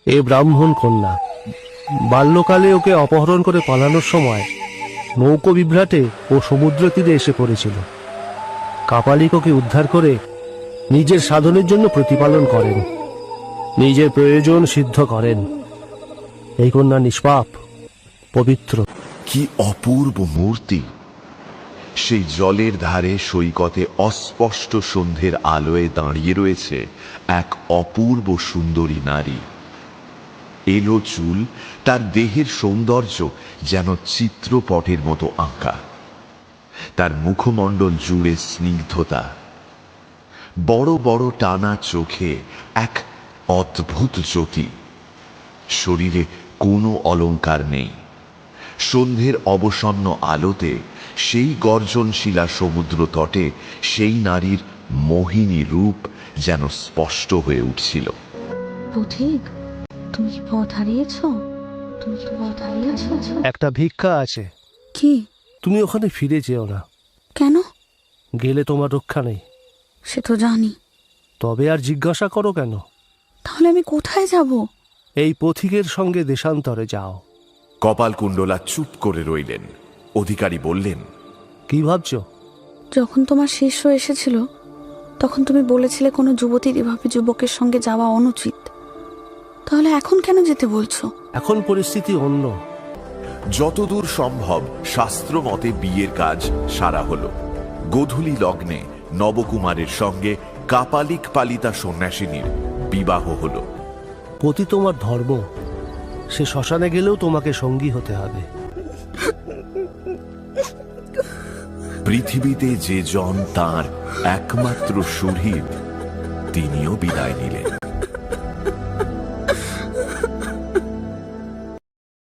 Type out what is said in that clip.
এ ব্রাহ্মণ কন্যা। বাল্যকালে ওকে অপহরণ করে পালানোর সময় নৌকো বিভ্রাটে ও সমুদ্র তীরে এসে পড়েছিল। কাপালিক ওকে উদ্ধার করে নিজের সাধনের জন্য প্রতিপালন করেন, নিজের প্রয়োজন সিদ্ধ করেন। এই কন্যা নিষ্পাপ, পবিত্র। কি অপূর্ব মূর্তি! সেই জলের ধারে সৈকতে অস্পষ্ট সন্ধ্যের আলোয় দাঁড়িয়ে রয়েছে এক অপূর্ব সুন্দরী নারী। এলো চুল, তার দেহের সৌন্দর্য যেন চিত্রপটের মতো আঁকা। তার মুখমণ্ডল জুড়ে স্নিগ্ধতা, বড় বড় টানা চোখে এক অদ্ভুত জ্যোতি। শরীরে কোনো অলংকার নেই। সন্ধ্যের অবসন্ন আলোতে সেই গর্জনশীলা সমুদ্র তটে সেই নারীর মোহিনী রূপ যেন স্পষ্ট হয়ে উঠছিল। পথিক, তুমি কি পথ হারিয়েছ? একটা ভিক্ষা আছে, কি? তুমি ওখানে ফিরে যেও না। কেন? গেলে তোমার রক্ষা নেই। সে তো জানি। তবে আর জিজ্ঞাসা করো কেন? তাহলে আমি কোথায় যাব? এই পথিকের সঙ্গে দেশান্তরে যাও। কপালকুণ্ডলা চুপ করে রইলেন। অধিকারী বললেন, কি ভাবছো? যখন তোমার শিষ্য এসেছিল তখন তুমি বলেছিলে কোনো যুবতীর এভাবে যুবকের সঙ্গে যাওয়া অনুচিত। তাহলে এখন কেন যেতে বলছো? এখন পরিস্থিতি অন্য। যতদূর সম্ভব শাস্ত্র মতে বিয়ের কাজ সারা হলো। গোধূলি লগ্নে নবকুমারের সঙ্গে কাপালিক পালিতা সন্ন্যাসিনীর বিবাহ হলো। পতি তোমার ধর্ম, সে শ্মশানে গেলেও তোমাকে সঙ্গী হতে হবে। পৃথিবীতে যে জন তাঁর একমাত্র সুহৃদ, তিনিও বিদায় নিলেন।